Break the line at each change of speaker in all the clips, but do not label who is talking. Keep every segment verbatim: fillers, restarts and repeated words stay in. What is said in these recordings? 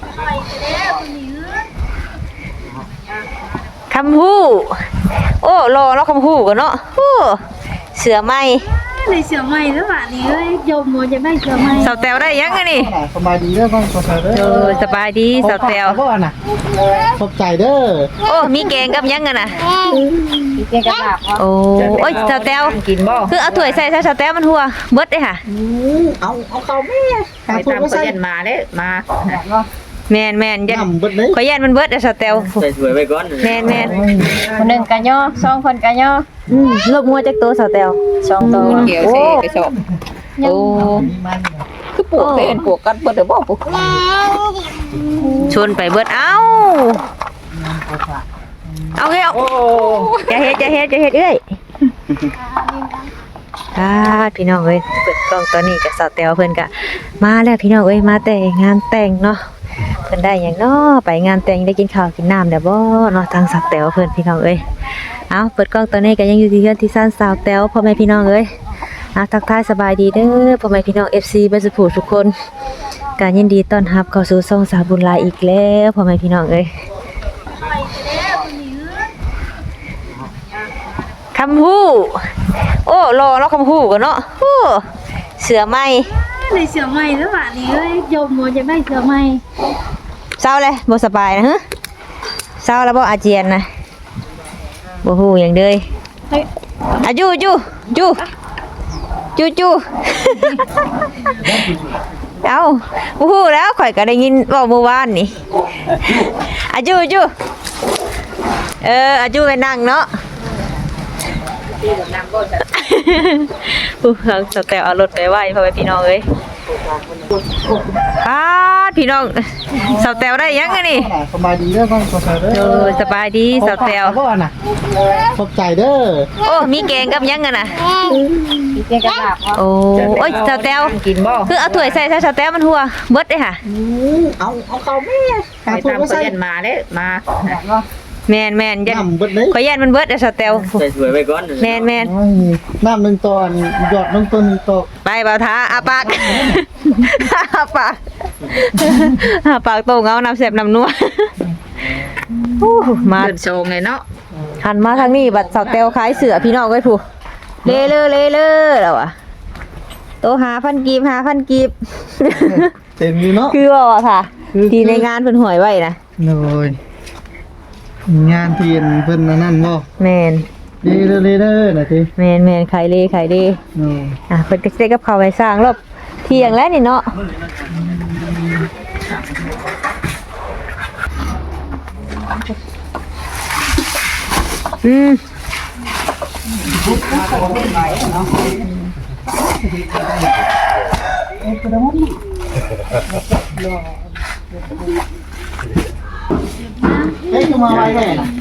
คำฮู้โอ้รอแล้วคำฮู้กันเนาะโอ้เสือไหม
ในเสือใหม่แล้วป่ะนี่เอ้ยโยมโมจะได้เสือใหม่
สาวแตวได้ยังไงนี่
สบายดีเด้อบ้างสบายเด้อ
เออสบายดีสาวแตว
พ่อน่ะขอบใจเด้อ
โอ้มีแกงกับยังกันน่ะ
เกงกระดาษ
โอ้โอ้ยสาวแตว
กินบ่
คือเอาถ้วยใส่ใส่สาวแตวมันหัวเบิดเลยค่ะ
เอาเอาเข้าแม่
ไปตามเขาเรียนมาเด้มา
แมนแมนยัน
นำเบิดเลย
ขอยยันมันเบิดอะสาวแตว
ใส่สวยไปก่อน
แมนแมน
คนหนึ่งกันย่อสองคนกันย่อ
อืมลบงัวจากตัวสาวแตว
สองตัว
เกี่ยวเสกระสอบ
โอ้
คือปลูกเต้นปลูกกันเบิดเด้อบ่ปลูก
ชนไปเบิดเอ้าเอาเฮ้ยเอา
โอ้
จะเฮ็ดจะเฮ็ดจะเฮ็ดเอ้ยอ่าพี่น้องเอ้ยเปิดกล้องตอนนี้กับสาวแตวเพิ่นก็มาแล้วพี่น้องเอ้ยมาแต่งานแต่งเนาะเพิ่นได้หยังเนาะไปงานแต่งได้กินข้าวกินน้ำแล้วบ่เนาะทางสาวแตวเพิ่นพี่น้องเอ้ยเอาเปิดกล้องตอนนี้ก็ยังอยู่ที่เฮือนที่ซ่านสาวแตวพ่อแม่พี่น้องเอ้ยอ่ะทักทายสบายดีเด้อพ่อแม่พี่น้อง เอฟ ซี เบิดสุขทุกคนการยินดีต้อนรับเข้าสู่ช่องสาวบุญหลายอีกแล้วพ่อแม่พี่น้องเอ้ยคำฮู้โอ้รอแล้วคำฮู้กันเนาะโอ้เสือไหม
ในเสือใหม่แล้วป่ะนี่เอ้ยโยมโมจะได้เสือใหม่
เศร้าเลยบ่สบายนะฮะเศร้าแล้วบ่อาเจียนนะบ่ฮู้หยังเด้ยอะจูจูจูจูจู เอ้าบ่ฮู้แล้วข่อยก็ได้ยินเว้าเมื่อวานนี่อะจูจูเอออะจูไปนั่งเนาะผู้ฟังสแตลเอารถไปไหว้พ่อแม่พี่น้องเอ้ยอ้าพี่น้องสแตลได้ยังไงนี่
สบายดีเด้อบ้างสบายเด้อ
เออสบายดีสแตล
พ่อน่ะขอบใจเด้อ
โอ้มีแกงกับยังกันน่ะ
เกงกระดาษ
โอ้โอ้ยสแตล
กินบ่
คือเอาถ้วยใส่ใส่สแตลมันหัวเบิดเลยค่ะ
เอาเอาเข้าแม่
ไปตามเขาเรียนมาเด้มา
แมนแมนยัน
นำเบิดเลย
ขอยยันมันเบิดอะสแตล
ใส่สวยไปก่อน
แมนแมน
น้ำหนึ่งตอนหยอดน้ำต้นหนึ่งตอก
ไปเบาท้าอาปากอาปากอาปากโตเงาน้ำเสียบน้ำนัวมา
เดินโชงเลยเนาะ
หันมาทางนี้บัดสาวเตลขายเสือพี่น้องไว้ผู้เลเลอเลเลอแล้วอ่ะโตหาพันกีบหาพันกีบ
เต็มอยู่เนาะ
คือว่าค่ะที่ในงานเพิ่นหวยไว้นะ
เลยงานเทียนเพิ่นนั่นบ่
แมน
เด้อเด้อเด้อนะที
แมนแมนขายเลขายเล
โอ้
อ่ะเพิ่นก็สิได้กับข้าวไปสร้างรอบเที่ยงแล้วนี่เนาะอืม
เฮ้ยจะมาไว้แน่น่ะ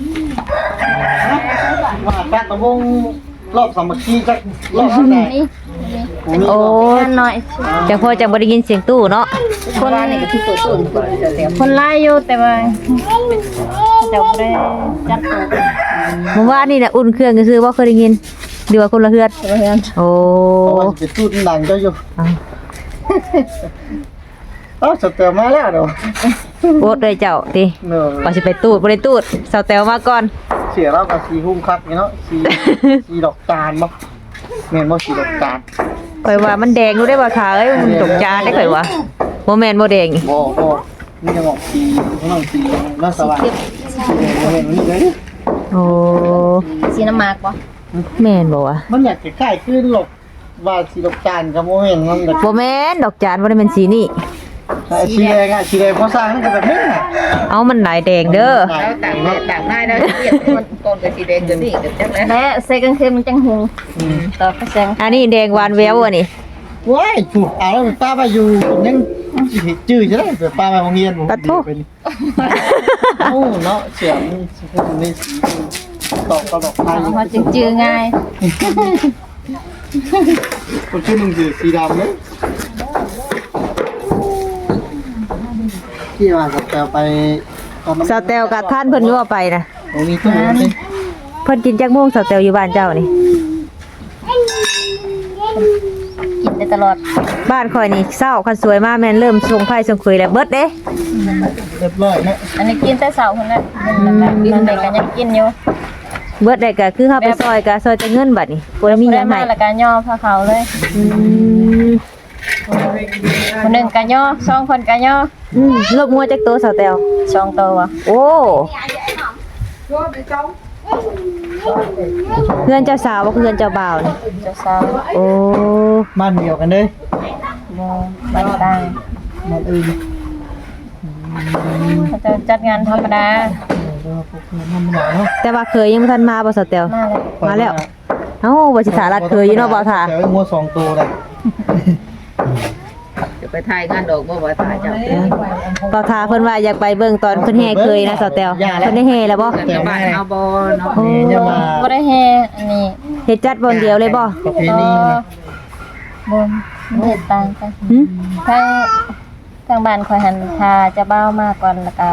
ว่าแป๊กตะวงรอบสามัคคีจักรอบไหน
โอ้
หน่อย
จังพอจังบ่ได้ยินเสียงตู้เนาะ
คนนี่ก็ที่ตัวต้นคนเดียว
คนไล่อยู่แต่ว่าจะได้จัดตัว
เมื่อวานนี่น่ะอุ่นเครื่องก็คือบ่เคยได้ยินหรือว่าคนละเฮือดโอ้
เพราะว่าจะตูดดังเจ้าอยู่
เอา
เอ้าสเตลมาแล้วเด้อ
โอดเลยเจ้าติ
เนาะ
ว่าสิไปตูดบ่ได้ตูดสาวแตวมาก่อน
เสียแล้วก็สีหุ้มคักนี่เนาะสีสีดอกจานบ่แม่นบ่สีดอกจาน
ข่อยว่ามันแดงรู้ได้บ่ค่ะเอ้ยมันตกจานได้ข่อยว่าบ่แม่นบ่แดง
บ่บ่นี่จะบอกสีข้างนอกสีน่าสว่างเห็นนี่เลย
โอ้
สีน้ำหมากปะ
แม่นบ่วะ
มันอยากจะคล้ายคือหลบว่าสีดอกจานกับบ่แม่นมันแบบ
บ่แม่นดอกจานบ่ได้แม่นสีนี่
สีแดงอ่ะสีแดงพอสร้างก็แบบนี้น่ะ
เอามันหลายแดงเด้อ
แล้วต่างแม่ต่างง่ายได้เรียกคนต้นกับสีแดงกับนี่กับจังเลย
และใส่กางเกงมันจังหงต่อกระเซง
อันนี้แดงหวานแววอ่ะนี่
ว้ายถูกเอาแล้วป้าไปอยู่ยังจื้อใช่ไหมป้าไปโรงเรียนผมเป็นเอ้าเนาะเสียงนี่สีตอกตอกไทย
เขาจึงจือง่าย
คนชื่อนึงคือสีดำเนี่ยที่ว่าจะไป
สาวแตวกับท่านเพิ่นอยู่ว่าไปนะ
ผมมีตู้นี่
เพิ่นกินจักโมงสาวแตวอยู่บ้านเจ้านี่
กินแต่ตลอด
บ้านข่อยนี่เศร้าคันสวยมาแม่นเริ่มส่งไผส่งคุยแล้วเบิดเด้
เรียบร้อยเนาะ
อันนี้กินแต่เช้าพุ่นน่ะมันแบบมันได้ก็ยังกินอยู่
เบิดได้ก็คือเฮาไปซอยก็ซอยแต่เงินบัดนี้บ่ได้มีห
ได้
ยัง
มา
ให้
แล้วก็ย่อพาเขาเลย
อืม
คนหนึงก็ย่อสองคนก็ย่อ
อืมลบงัวจักโตสาวแตว
สองตัว
โอ้เพื่อนเจ้าสาวบ่เพื่อนเจ้าบ่าวนี่
เจ้าสาว
โอ้
บ้านเดียวกันเด้อ
บ่บ้านต่าง
บ้านอื่น
เขาจะจัดงานธรรมดา
เออพวกนั้นมันหนาเนาะ
แต่ว่าเคยยังบ่ทันมาบ่สาวแตว
มาเลย
มาแล้ว เอ้าบ่สิถารัดเคยอยู่เนาะบ่าวท่า
แต่ว่างัวสองตัวเลย
จะไปถ่ายงานดอกบ่บ่ถ่ายเจ้า
บ่าวท่าเพิ่นว่าอยากไปเบิ่งตอนเพิ่นแห่เคยนะสาวแตวเพิ่นได้แห่แล้วบ่
เกิดกับบ้านเอาบ่เนาะ
โอ้
นี่จะมา
บ่ได้แฮอันนี้
เฮ็ดจัดบนเดียวเลยบ่
ประเพณีนะ
บนเฮ็ดต่างกัน
หึ
ทางทางบ้านคอยหันพาเจะเบ้ามาก่อนแล้วก็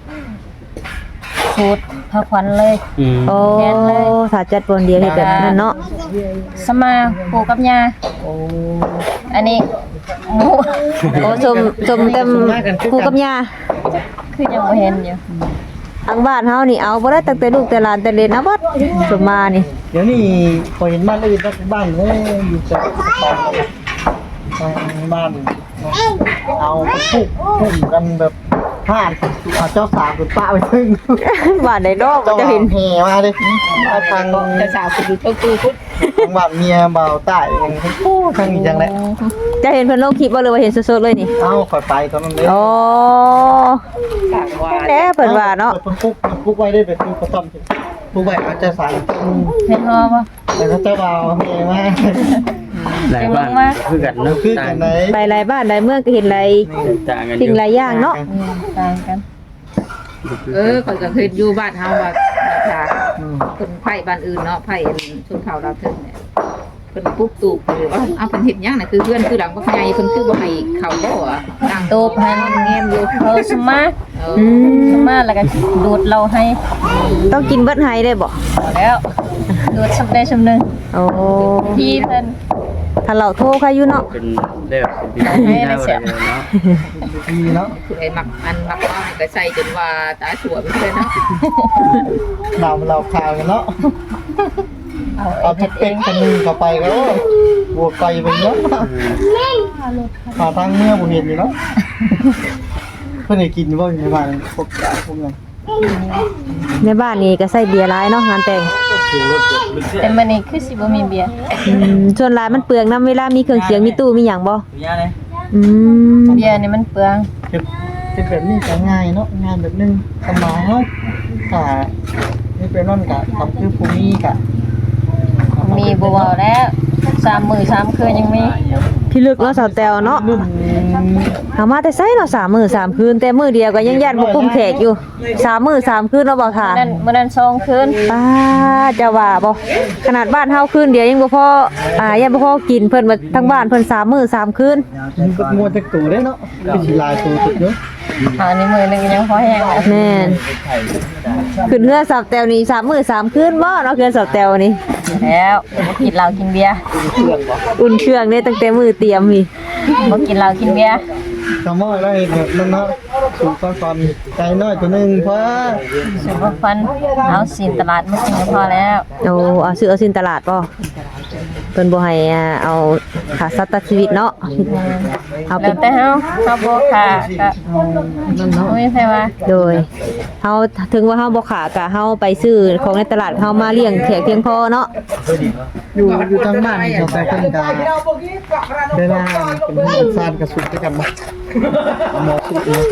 สูตรพระขวัญเลย
โอ้
แทนเลย
ถ้าจัดบนเดียวเฮ็ดแบบนั้นเนาะ
สมาปู่กับย่า
โอ้
อันนี้หมู
โอ้สมสมเต็มครูกับย่า
คือยังบ่เห็นอยู่
ทางบ้านเฮานี่เอาบ่ได้ตั้งแต่ลูกแต่หลานแต่เล็กนะบัดสมมานี่
เดี๋ยวนี้พอเห็นบ้านอื่นก็บ้านเอ้ยอยู่แต่บ้านบ้านเอาปุกปุ่มกันแบบผ่านเอาเจ้าสาวคุณป้าไปซึ่ง
บ้านใดดอก
เจ้า
จะเห็น
แห่มาเลยมาทาง
เจ้าสาวคือเจ้าตู้พุทธ
ทางบ้านเมียเบาใต้ยังโอ้ทางนี้จังเลย
จะเห็นเพิ่นลงคลิปบ่หรือว่าเห็นสดๆเลยนี่
เอ้าคอยไปตอนนั้นเลย
โอ้
ต่างว่า
แหน่เพิ่นว่าเนาะ
เพิ่นปุ๊กปุ๊กไว้ได้แบบปุ๊กกระต้อมปุ๊กไว้เอาเจ้าสาว
เห็นฮอบ่
แต่ถ้าเจ้าเบาแห่มา
หลายบ้านคือกันเนาะ
คือกันไหน
ไปหลายบ้านหลายเมืองก็เห็นหลาย
ต่างกันอ
สิ่ง
ยู่
หลายอย่างเนาะ
อืมต่างกัน
เออข่อยก็เคยอยู่บ้านเฮาว่าค่ะคนไผบ้านอื่นเนาะไผชนเผ่าเราวเถิงเนี่ยเพิ่นปุ๊บตูบอยู่ว่าเอาเพิ่นเฮ็ดหยังน่ะคือเพื่อนคือหลังบ่ใหญ่เพิ่นคือบ่ให้เข้าบ่อ่ะนั่ง
ตูบให้
แง้มอยู่
เออสมา
เออ
อืม
สมาแล้วก็ดูดเราให้
ต้องกินเบิดไห้ได้บ่
เอาแล้วดูดสำได้สำนึง
โอ้
พี่เพิ่น
ถ้าเราโทรใครอยู่เนาะ
เป็นได้แบบเป็นพิธีได้อะไรเนาะ
ดีเนาะ
ผู้ใดมักอันมักเอาให้ก็ใส่จนว่าตาสวยไปเพิ่นเนาะ
เราเราข่าวกันเนาะ
เอา
เอา
เฮ็ดเอ
เป็ด
ง
กันนึงเข้าไปก็บวกไก่ไปเนาะหาทางเมื่อบ่เห็นอยู่เนาะเพิ่นให้กินบ่อยู่ในบ้านพวกยาพวกนั้น
ในบ้านนี่ก็ใส่เบียร์หลายเนาะงานแต่ง
แต่มื้อนี้คือสิบ่มีเบียร์
อืมส่วนหลายมันเปลืองน้ำเวลามีเครื่องเสียงมีตู้มีหยังบ่
ย่าเลย
อืม
เบียร์นี่มันเปลือง
เก็บเป็นแบบนี้ก็ง่ายเนาะงานแบบนึงสบายเนาะถ้านี่เป็นนั่นก็ทำคือภูมิก็
มีบ่เว้าแล้วสามมื้อสามคืนยังมี
พี่ลึกเนาะสาวแตวเนาะ
รุ่น
เอามาแต่ไสเนาะสามมื้อสามคืนแต่มื้อเดียวก็ยังยันบ่คุ้มแขกอยู่สามมื้อสามคืนเนาะบ่ท่า
มื้อนั้นมื้อนั้นสองคืน
ป้าจะว่าบ่ขนาดบ้านเฮาคืนเดียวยังบ่พออ่ายังบ่พอกินเพิ่นมาทั้งบ้านเพิ่นสามมื้อสามคืน
มันก็งัวจักตัวได้เนาะเป็นสิลายตัวสุดเยอะ
อันนี้มื้อหนึงยังพอแห้งแล้ว
แม่นขึ้นเรือสาวแตวนี่สามมื้อสามคืนบ่เนาะเรือสาวแตวนี่
แล้วบ่กินเหล้ากินเบียร์
อุ่นเครื่องเนี่ยตั้งแต่มื้อเตรียมนี่
บ่กินเหล้ากินเบียร์
ทำมอได้แบบนั้นเนาะสูงก่อนๆใจน้อยตัวนึงเพราะ
สุบฟันเอาสินตลาดมากินก็พอแล้ว
เอาเอาซื้อเอาสินตลาดบ่เพิ่นบ่ให้อ่าเอาค่าสัตว์ชีวิตเนาะเอาเป็
แล้
น
วแต่เฮาเฮาบ่ค่าก็โอ้ยใช่ว่า
โดยเฮาถึงว่าเฮาบ่ขาก็เฮาไปซื้อของในตลาดเฮามาเลี้ยงแขกเพียงพอเนาะ
อยู่อยู่ทางบ้านเขาใส่ต้นกาเวลาเป็นเพื่อนซานกระสุนด้วยกันมาหมอสุดเนาะ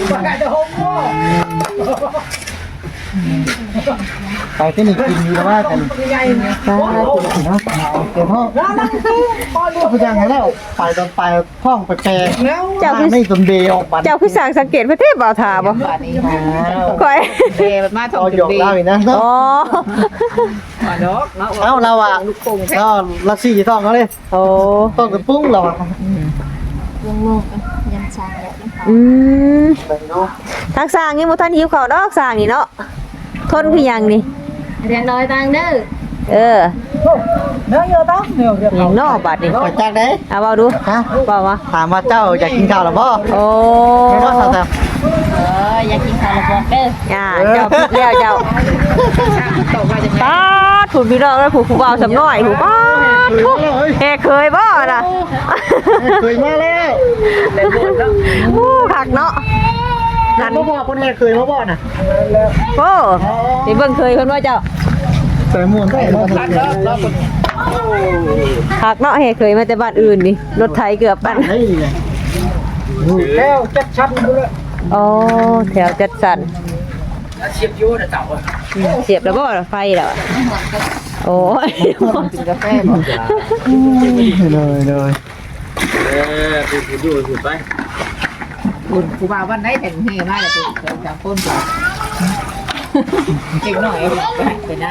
ไปที่นี่กินอยู่แล้วว่ากันตากินเนาะเดี๋ยวพ่อผู้จังไงแล้วไปตอนไปท่องไปแปลไม่สมเดย์ออกบัตร
เจ้าคือสร้างสังเกตประเทศบ่าวทาบ่
บ้านนี้
ค่อย
เดมันมาท่อ
เอา
ง
หยอกเล่าอีกนะ
อ๋อ
มาดอกเนาะ
เอ้าเราอ่ะ
ลูกโป่งแท้
ก็ลักซี่ท่องเขาเลย
โอ้
ท่องกับปุ้งเราอ่ะ
อืม
ไปเนาะ
ทางสร้างยังบ่ทันหิวข้าวดอกสร้างนี่เนาะทนคือหยังนี่
เรียนน้อยตังเด้อ
เออ
เนื้อเยอะต้องเนื้อเยอะ
อย่างนอกบาดนี่
ขอจากไหน
เอาเบาดูฮะเบามา
ถามว่าเจ้าอยากกินข้าวหรือเปล่า
โอ้
ไม่ว่าสาวแต่
เอออยากกินข้าวแล้วบอกเด้อ
ย่าเจ้าผิดแล้วเจ้า
ตกมาจากไหน
ป้าดผูกพี่น้องแล้วผูกผู้เบาสำน้อยผูกป้าดแกเคยบ่น่ะ
เคยมาแล้ว
โอ้คักเนาะ
นั่นพ่อคนแรกเคยมาบ่น่ะ
โอ้นี่เบิ่งเคยเพิ่นว่าเจ้า
แต่ม่วนได้มาทันแล้ว
คักเนาะเฮเคยมาแต่บ้านอื่นนี่รถไถเกือบปั่น
นี่ไงแล้วจัดชั้นดูเลย
โอ้แถวจัดสรร
เชียบยูนะเต่า
อืมเสียบแล้วบ่ไฟแล้วอะโอ้ย
กินกาแฟบ่
เลยเลย
เออไปไปดูสุดไป
คุณผู้บ่าววันไหนแต่งเฮมาแล้วคุณสามคนบ่เก่งหน่อยไปไปนะ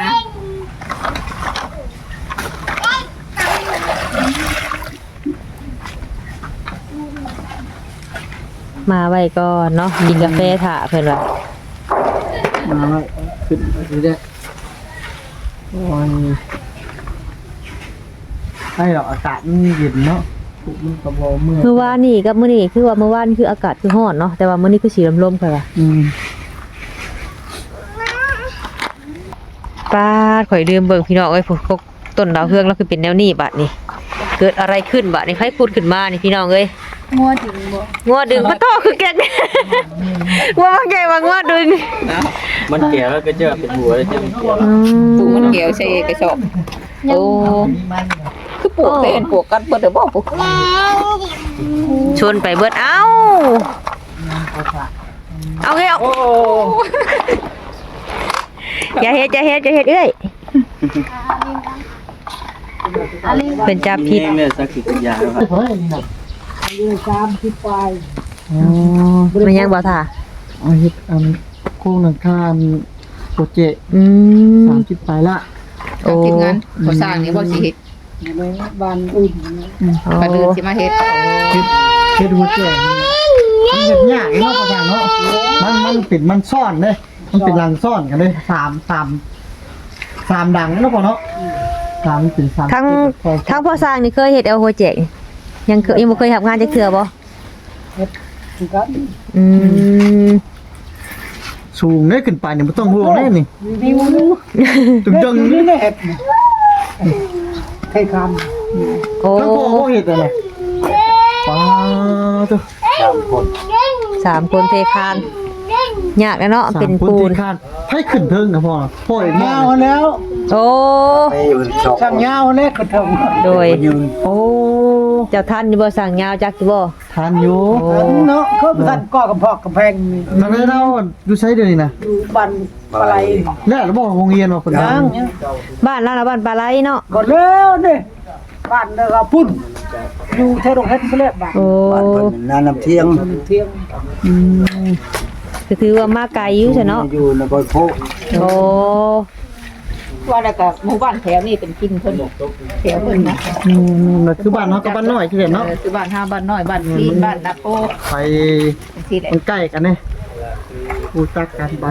มาไว้ก่อนเนาะกินกาแฟถ่าเพิ่นว่า
มาไว้ขึ้นดูได้โอ้ยให้หรอกอากาศมันเย็นเนาะมันกระบอกเมื่อ
เมื่อวานนี่กับมื้อนี้คือว่าเมื่อวานคืออากาศคือร้อนเนาะแต่ว่ามื้อนี้คือสีลมๆค่ะว่า
อืม
ป้าดข่อยลืมเบิ่งพี่น้องเอ้ยพวกต้นดาวเฮืองแล้วคือเป็นแนวนี้บัดนี้ เกิดอะไรขึ้นบัดนี้ใครพูดขึ้นมานี่พี่น้องเอ้ย
งัวถึงบ่
งัวดึงพระโตคือแก่ งัวว่าไงว่างัวดึง
มันแก่แล้วก็เจอเป็นหัวเลยเจอเป็นหัว
อื
ปลูก
ม
มันเกี่ยวใส่กระสอบโอ้คือปลูกเต้นปลูกกันเบิดเด้อบ่ปลูก
ชวนไปเบิดเอ้าเอาเฮ้ยเอาอย่าเฮ็ดอย่าเฮ็ดอย่าเฮ็ดเอ้ยเป็นจับผิด
นี่เนี่ยสักสิบยาครับ
เฮ้ยนี่นะอายุสามสิบปลายอ๋อ
มันยังบ่ท่า
เอาเฮ็ดอันโค้งหลังคาโปรเจกต์
อืม
สามสิบปลายละ
โอ้
ทีมงานบ่สร้างนี่บ่สิเฮ็ด
ในบ้านอื่น
โอ้
บัดอื่นสิมาเฮ็ด
เฮ็ดเฮ็ดหัวแก่มันเฮ็ดยากเนาะประธานเนาะมันมันเป็นมันซ่อนเด้มันเป็นรังซ่อนกันเลยสามสามสามดังเนาะพ่อเนาะสามเป็นสาม
ทั้งทั้งพ่อสร้างนี่เคยเฮ็ดเอาโปรเจกต์ยังเคยยังบ่เคยทำงานจักเทื่อบ่อืม
สูงได้ขึ้นไปเนี่ยบ่ต้องห่วงแน่นี่ตึงจังนี่แหละให้คำ
โอ้
ทั้งพ่อบ่เฮ็ดอะไรป้าตัว
สามคนเทคานยากแล้วเนาะเป็นปูน
คานให้ขึ้นเทิงนะพ่อพ่อเองยาวแล้ว
โอ้
ช่างยาวแล้วขึ้นเทิง
โดย
โอ้
เจ้าท่านอยู่บ่สั่งยาวจักอยู่บ่
ทานอยู่
เนาะเขาท่านก็กำพอกกำแพงนี่
มันไม่เล่าดูใช้เดี๋ยวนี้นะ
อยู่บ้านอะไร
แล้วเราบอกโรงเรียนว่าคนดัง
บ้านล่างละบ้านปลาไหลเนาะ
ก็แล้วนี่บ้านเด้อพุ่นอยู่เท่าโรงเฮ็ดเขาเรียกบ้าน
โอ้
นาน้ำเที่ยง
เที่ยง
อืมก็ถือว่ามาไกลอยู่ซะเนาะ
อยู่ในบอยโพ
โอ้
ว่าแล้วก็หมู่บ้านแถวนี้เป็นกินเพิ่นแถวเพิ่นนะ
อืมมันคือบ้านเนาะกับบ้านน้อยที่เห็นเนาะ
เออคือบ้านห้าบ้านน้อยบ้านพีนบ้านนาโป
ไป
จังซี่แหละ
มันใกล้กันเนี่ยรู้จักกันไป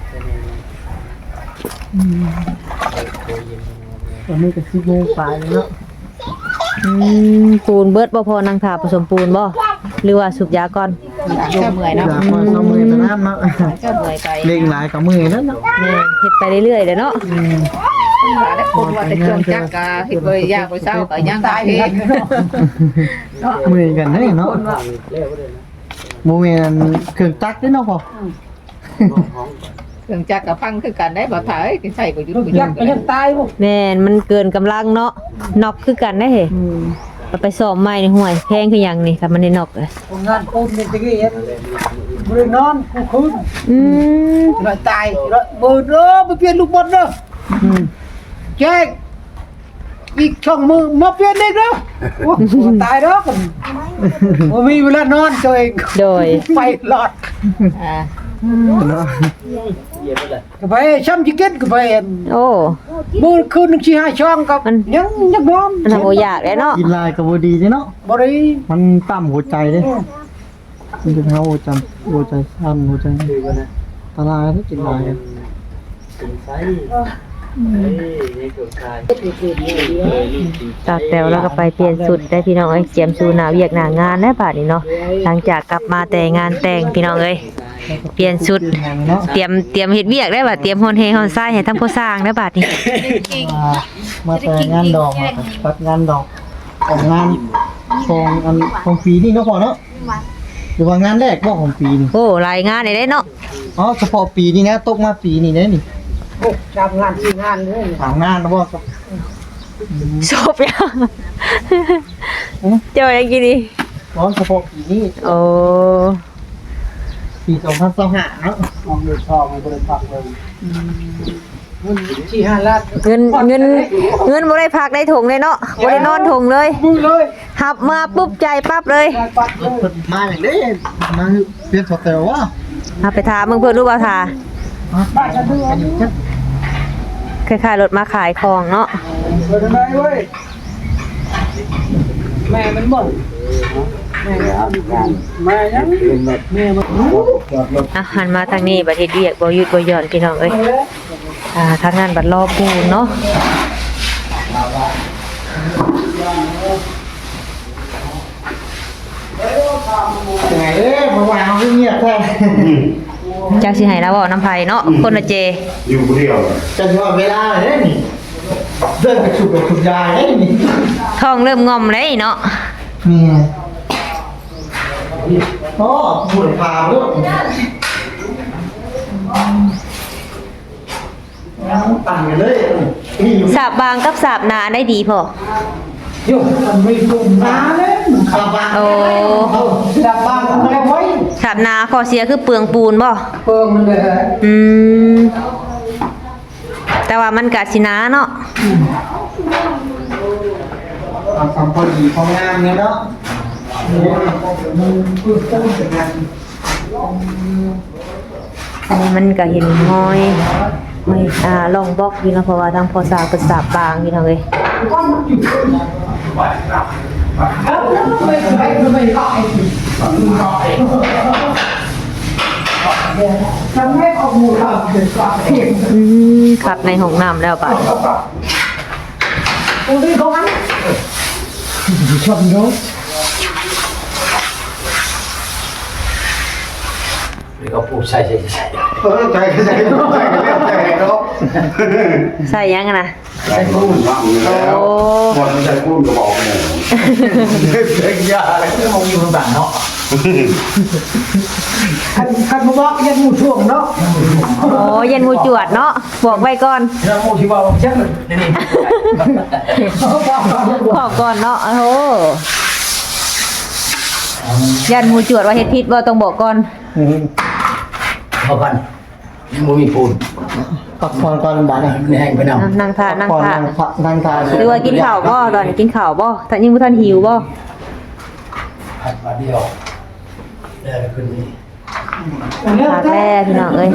อืมตอนนี้ก็สิบโมงปลายแล้วเนาะ
อืมปูนเบิดบ่พอนางถาผสมปูนบ่หรือว่าสูบยาก่อน
เจ้าเมื่อย
อ
เนาะ
ยากมาซ้อมมือแต่น้ำเนาะ
เจ้าเมื่อยไป
เล่งหลายกับมือนั่นเนาะ
แม่นเฮ็ดไปเรื่อยๆเด้อเนาะ
แล้วคนว่าแต่เครื่องจักรก็เฮ็ดบ่ยากบ่เช้าก็ยังตายเฮ็ด
มือกันได้เนาะโมเมนเครื่องจักรได้เนาะพอ
เครื่องจักรก็พังคือกันได้บ่ถ่ายใช้บ่หยุดบ่หยุ
ยั
ด
กก็ยังตายบ่
แม่นมันเกินกำลังเนาะนอกคือกันได้เฮ้เอาไปซ่อมใหม่นี่ห่วยแพงคือหยังนี่ถ้ามันได้นอกเลย
โรงงานปูนนี่ตะกี้เฮ็ดบ่ได้นอนกูคืน
อืม
ร้อยตายร้อยเบิดเด้อไปเปลี่ยนลูกบอลเด้อแจ้งอีกช่องมือมาเปลี่ยนอีกเด้อโอ้โหตายเด้อกันบ่มีเวลานอนตัวเอง
โดย
ไฟหลอด
อ่า
เนาะ
ก็ไปช้ำจิกินก็ไปเห็น
โอ้
มื้อคืนนึงสิหาช่องกับ
มัน
ยังยังนอน
มันทำบ่ยากเลยเนาะ
กินลายกับบูดีเนาะ
บ่ได้
มันต่ำหัวใจเลยมันจะเท้าหัวใจหัวใจสั้นหัวใจตาลายถ้ากินลาย
ม
นี่คือชาย
ตาแตวแล้วก็ไปเปลี่ยนสุดได้พี่น้องเอ้ยเจียมสูหน้าเวียกหน้างานแล้วบาดนี้เนาะหลังจากกลับมาแต่งานแต่งพี่น้องเอ้ยเปลี่ยนชุดเตรียมเตรียมเฮ็ดเวียกได้บัดเตรียมฮอนเฮฮอนซ้ายให้ทั้งผู้สร้างได้บาดนี้
มามาแต่งานดอกมาตัดงานดอกของงานของอันของปีนี่เนาะพ่อเนาะหรือว่างานแรกบ่ของปีนี่
โอ้รายงานได้เด้เนาะ
อ๋อเฉพาะปีนี้นะตกมาปีนี้เด้นี่
โอ้ทำงานที่งานเลย
ถามงานนะบ่ครับ
จบยังเจ้ายังกินดี
อ๋อเฉพาะปีนี้
โอ้
ปีสองพันยี่สิบห้าเนาะ
มองดูชอบมันก็เลยพักเลยมันที่ห้าล้าน
เงินเงินเงินบ่ได้พักได้ถุงเลยเนาะบ่ได้นอนถุงเลย
มือเลย
หับมาปุ๊บใจปั๊บเลย
ได้ปัดเลย
เพิ่นมาอย่างนี้มาเปลี่ยนสเตลว่า
เอาไปถามมึงเพิ่นรู้บ่ทา
ป้าจะดูอันนี้
คล้ายๆรถมาขายของเนาะ
เปิดทำไมเว้ยแม่มันบ่นแม่เอาดีกันแม่ยังแม่มัน
อ่ะหันมาทางนี้บัดเฮ็ดเวียกบ่หยุดบ่หย่อนพี่น้องเอ้ยอ่าทางงานบัดรอปูนเนาะ
ยังไงเด้เมื่อวานเขาเงียบแท้
จักสิให้เราเว้าน้ำไผเนาะคนละเจ
อยู่คนเดียว
จะว่าเวลาเลยเด้นี่เดินไปฉุดไปฉุดยายเด้นี่
ท้องเริ่มงอมเลยเนาะ
นี่โอ้บุญพาลูกปั่นไปเลยนี่อยู่
สาบบางกับสาบหนาได้ดีพอ
โยมมันไม่ดุมน้าเลยมัน
ขับบ้าน
โอ้
เอาดับบ้านทำไมไว้
สาบหนาข้อเสียคือเปลืองปูนบ่
เปิงมันเลย
อืมแต่ว่ามันก็สิหนาเนาะ
เอาสามพอดีพองามเนี่ยเนาะ
มันปื้มต้นเป็นงาน
อันนี้มันก็เห็นห้อยห้อยอ่าลองบล็อกอยู่เนาะเพราะว่าทางพอสาบเป็นสาบบางพี่น้องเอ้ย
แล้วไม่ไม่ไม่ได้ทำให้ออกมูลค่าเป็นสาเหตุ
อืมขัดในห้องน้ำแล้วบาด
ตรงนี้เขาอันชอบเนาะ
นี่ก็พูดใช่ใช่ใช่
เออใจใจใจใจใจเนาะ
ใส่ยังอะนะ
ใจกุ้งว่างแล้วคนมันใจกุ้งก็บอกเลยเด็กยาอะไรที่มองอยู่ต่างเนาะ
คันคันบอกยังมูช่วงเนาะ
โอ้เย็นหูจวดเนาะบอกไว้ก่อน
เราโมชิวาชักเลยนี่นี่
บอกก่อนเนาะโอ้โหยันหูจวดว่าเฮ็ดผิดบ่ต้องบอกก่อน
พอกันยังไม่มีปูน
ปักพรก่อนบ้านเนี่ย
มันแห้งไปนำ
นั่งทานั่ง
ก่อน
ทา
นั่งทานั่งทา
หรือว่ากินข้าวบ่ตอนนี้กินข้าวบ่ท่านยังบ่ทันหิวบ่
หัดมาเดียวได้ขึ้นนี่
พากแล่พี่น้องเอ้ย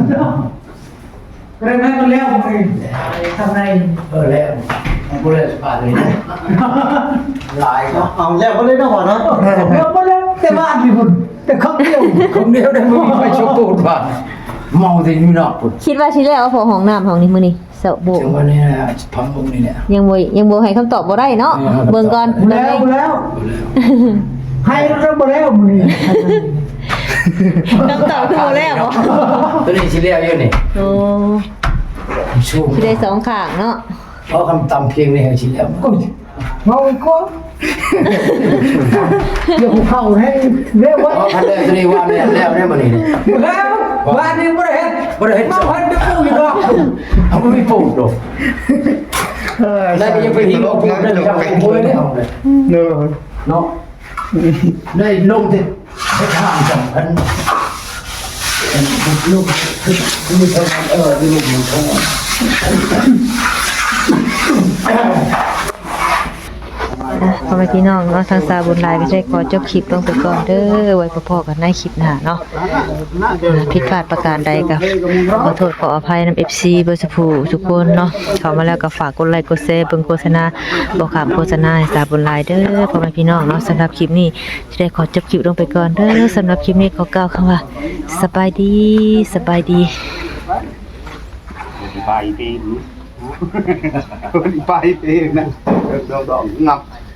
เรื่องนั้นมันแล้วไปทำไร
เออแล้วมันก็เลยสบายเลยหลายก็
เอาแล้วก็เลยเนาะพ่อเนาะ
เดี๋ยวมาแล้วแต่บ้านพี่บุญแต่เขาเดียว
คนเดียวได้ไม่มีใครชอบปูนบ้านเมาแต่นี่นอกปุ่น
คิดว่าสิแล้วเอาพอห้องน้ำห้องนี้มื้อนี้เสาะโบ
ถึงวันนี้นะพังตรงนี้เนี่ย
ยังบ่ยังบ่ให้คำตอบบ่ได้เนาะเบิ่งก่อน
แล้วแล้วให้เรามาแล้วมึง
คำตอบคือบ่แล้วบ่
ตัวนี้ชิ้นเดียวอยู่นี่
โอ้
ชู
สิได้สองข้างเนาะ
เพราะคำตำเพียงนี่ชิ้นเดียว
เมาก็เดี๋ยวเข้าให้เรียกว่า
เพราะคันแรกตัวนี้ว่าเนี่ยแล้วได้มานี่
แล้วบ้านนี้ไม่ได้เห็น
บ่ได้เห็น
มาพันจะปูอยู่ดอก
เอาไม่มีปูนหรอกได้ก็ยังไปหิ้งปูนได้เลยครับปูนเนี่ย
เนาะ
เนาะได้ลงที่ให้ทางสำคัญลูกคือมีเท่านั้นเออที่ลูกมันเท่านั้น
อ่ะพ่อแม่พี่น้องเนาะทางสาบุญหลายก็ได้ขอจบคลิปลงไปก่อนเด้อไว้พอๆกันในคลิปหน้าเนาะอ่าผิดพลาดประการใดก็ขอโทษขออภัยนำ เอฟ ซี เบอร์สุภูทุกคนเนาะเข้ามาแล้วก็ฝากกดไลค์กดแชร์เบิ่งโฆษณาบ่ข้ามโฆษณาให้สาบุญหลายเด้อพ่อแม่พี่น้องเนาะสำหรับคลิปนี้จะได้ขอจบคลิปลงไปก่อนเด้อสำหรับคลิปนี้ขอกล่าวคำว่าสบายดีสบายดี
ไปปีไปเองนะดองดองงับ